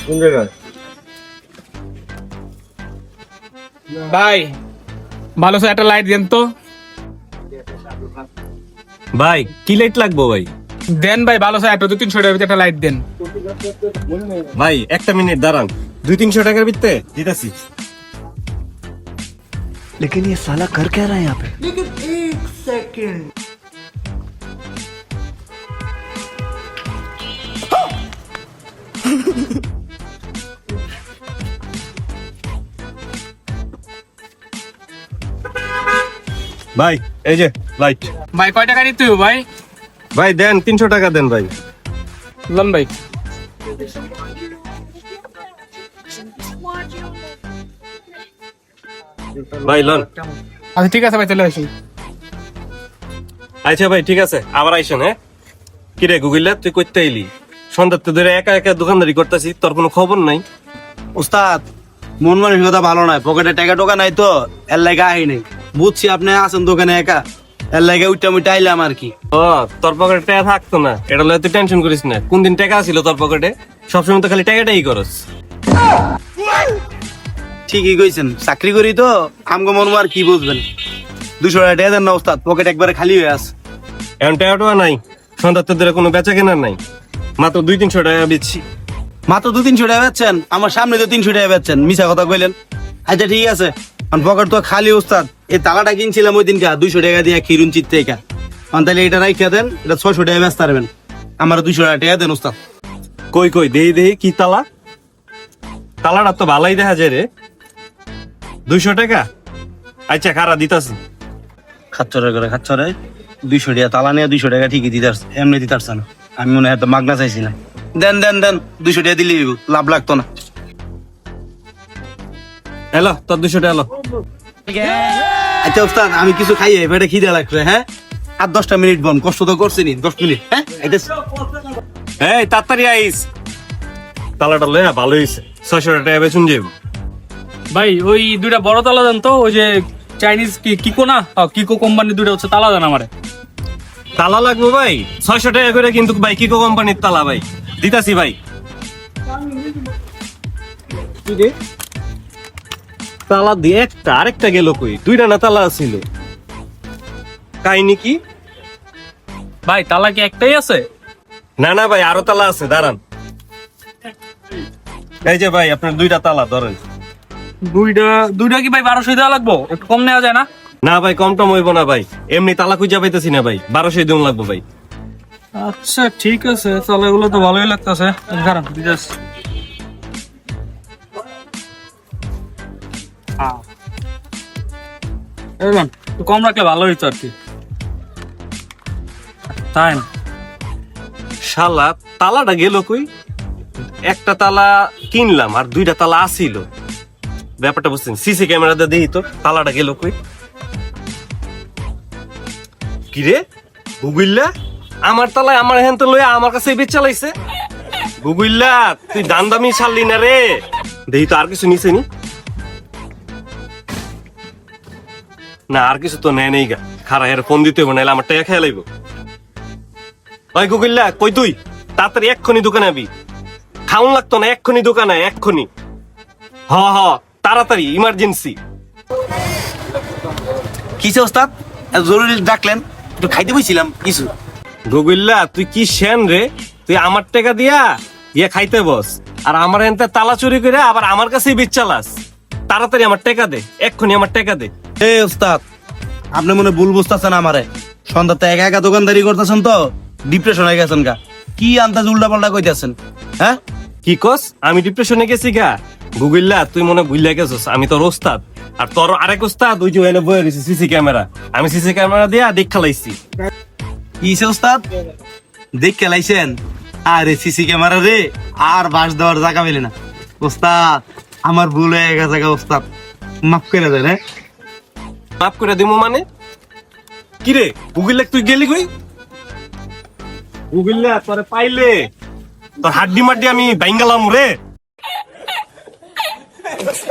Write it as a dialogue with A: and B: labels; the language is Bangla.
A: কোন জায়গায়?
B: ভাই ভালো স্যার একটা লাইট দেন তো।
C: ভাই কি লাইট লাগবো ভাই?
B: দেন ভাই ভালো স্যার একটা 200-300 টাকার ভিতরে একটা লাইট দেন।
C: ভাই একটা মিনিট দাঁড়ান, 200-300 টাকার ভিতরে দিতেছি।
D: लेकिन ये साला कर क्या रहा है यहाँ पे?
C: ভাই এই যে লাইট।
B: ভাই কয় টাকা নিতে হবে ভাই?
C: ভাই দেন 300 টাকা দেন ভাই।
B: লন ভাই।
C: ভাই লন।
B: আচ্ছা ঠিক আছে ভাই চলে আসি।
C: আচ্ছা ভাই ঠিক আছে, আবার আইসেন। হ্যাঁ কিরে গুগিল্লা তুই করতে এলি? সন্ধ্যাতে ধরে একা একা দোকানদারি করতেছি, তোর কোনো খবর নাই?
A: উস্তাদ মন মানসিকতা ভালো নাই, পকেটে টাকা টোকা নাই তো এর লাগে আহি নাই। বুঝছি আপনি আছেন দোকানে একা, এর লাগে উইটা মুইটা আইলাম আর কি।
C: ও তোর পকেটে টাকা থাকতো না, এটা লয়ে তুই টেনশন করিস না। কোন দিন টাকা ছিল তোর পকেটে? সবসময় তো খালি টাকাটাই করস।
A: ঠিকই কইছেন, চাকরি করি তো আমগো মন আর কি বুঝবেন। 200 টাকা দেন না উস্তাদ, পকেট একবারে খালি হয়ে আছে।
C: এখন টাকাটা নাই, সন্ধ্যাতে ধরে কোনো বেচা কেনার নাই, মাত্র 200-300 টাকা বেচছি।
A: মাত্র 200-300 টাকা বেচছেন? আমার সামনে তো 300 টাকা বেচছেন, মিছা কথা কইলেন। আচ্ছা ঠিক আছে, পকেট তো খালি উস্তাদ। এই তালাটা কিনছিলাম ওই দিনকা 200 টাকা দিয়ে খিরুন চিত্তে একা। তাহলে এটা রাইখা দেন, এটা 600 টাকা বেচতে পারবেন। আমার 200 টাকা দেন উস্তাদ।
C: কই কই দেই দেই কি তালা? তালাটা তো ভালোই দেখা যায় রে। 200 টাকা? আচ্ছা খারা দিতাছি।
A: খাচ্ছরে করে খাচ্ছরে 200 টাকা তালা নিয়ে 200 টাকা ঠিকই দিতার, এমনি দিতারছে না। আমি মনে হয় তো মাগনা চাইছিলাম। দেন দেন দেন, 200 টাকা দিলে লাভ লাগতো না।
C: এলো তোর 200 টাকা এলো।
A: আচ্ছা উস্তাদ আমি কিছু খাইয়ে পেটে খিদে লাগছে। হ্যাঁ আর 10টা মিনিট বন, কষ্ট তো করছি নি 10 মিনিট। হ্যাঁ
C: এই তাড়াতাড়ি আইস। তালাটা লয়া ভালো হইছে, 600 টাকা বেচুন যাইব।
B: ভাই ওই দুইটা বড় তালা দেন তো, ওই যে চাইনিজ কিকো না, কিকো কোম্পানির দুইটা হচ্ছে তালা দেন আমারে।
C: তালা লাগবে ভাই? 600 টাকা করে কিন্তু ভাই কিকো কোম্পানির তালা ভাই দিতাছি ভাই। তালা দিয়ে একটা আরেকটা গেল কই? দুইটা না তালা ছিল, কাহিনী কি?
B: ভাই তালা কি একটাই আছে?
C: না না ভাই আরো তালা আছে, দাঁড়ান। এই যে ভাই আপনার 2টা তালা ধরেন।
B: দুইটা কি ভাই 1200 দেওয়া লাগবো? একটু কম নেওয়া যায় না?
C: না ভাই কম টম হইব না ভাই, এমনি তালা খুঁজা পাইতেছি না ভাই, 1200 দিন লাগবে ভাই।
B: আচ্ছা ঠিক আছে, তাহলে এগুলো তো ভালোই লাগতেছে। দাঁড়ান দিদাস। একটু কম রাখলে ভালো হইতো আর কি। তাই না?
C: শালা তালাটা গেল কই? একটা তালা কিনলাম আর 2টা তালা আসিল, ব্যাপারটা বুঝছেন? সিসি ক্যামেরাতে দেখি তো তালাটা গেল কই। কিরে গুগিল্লা, আমার তালায় আমার হ্যান তো লইয়া আমার কাছে বেচ চালাইছে। গুগিল্লা তুই দান দামি ছাড়লি না রে, দেখি তো আর কিছু নিছে নি। না আর কিছু তো নেয় নেই গা, খারা এর ফোন দিতে হবে, নাহলে আমার টাকা খেয়ে লাইব। ভাই গুগিল্লা কই তুই? তাড়াতাড়ি এক্ষুনি দোকানে আবি, খাউন লাগতো না, এক্ষুনি দোকানে এক্ষুনি। হ হ তাড়াতাড়ি, ইমার্জেন্সি।
A: কিসে ওস্তাদ এত জরুরি ডাকলেন? একটু খাইতে বইছিলাম কিছু।
C: গুগিল্লা তুই কি শেন রে? তুই আমার টাকা দিয়া ইয়ে খাইতে বস, আর আমার এনতে তালা চুরি করে আবার আমার কাছেই বেচ চালাস। তাড়াতাড়ি আমার টাকা দে, এক্ষুনি আমার টাকা দে।
A: এ ওস্তাদ আপনি মনে ভুল বুঝতেছেন আমারে। সন্ধ্যাতে একা একা দোকানদারি করতেছেন তো ডিপ্রেশন হয়ে গেছেন গা। কি আন্দাজ উল্টা পাল্টা কইতেছেন? হ্যাঁ
C: কি কস? আমি ডিপ্রেশনে গেছি গা? গুগিল্লা তুই মনে ভুইলা গেছস, আমি তোর ওস্তাদ। আর তোর আরেক ওস্তাদ ওই যে এনে বয়ে রয়েছে সিসি ক্যামেরা, আমি সিসি ক্যামেরা দিয়া দেখ খেলাইছি।
A: কিসে ওস্তাদ দেখ খেলাইছেন? আরে সিসি ক্যামেরা রে আর বাস দেওয়ার জায়গা পেলে না ওস্তাদ। আমার ভুল হয়ে গেছে গা ওস্তাদ, মাফ করে দেন। হ্যাঁ
C: মাফ করে দিমু মানে? কিরে গুগিল্লা তুই গেলি কই? গুগিল্লা তোরে পাইলে তোর হাড্ডি মাড্ডি আমি বাইঙ্গালাম রে।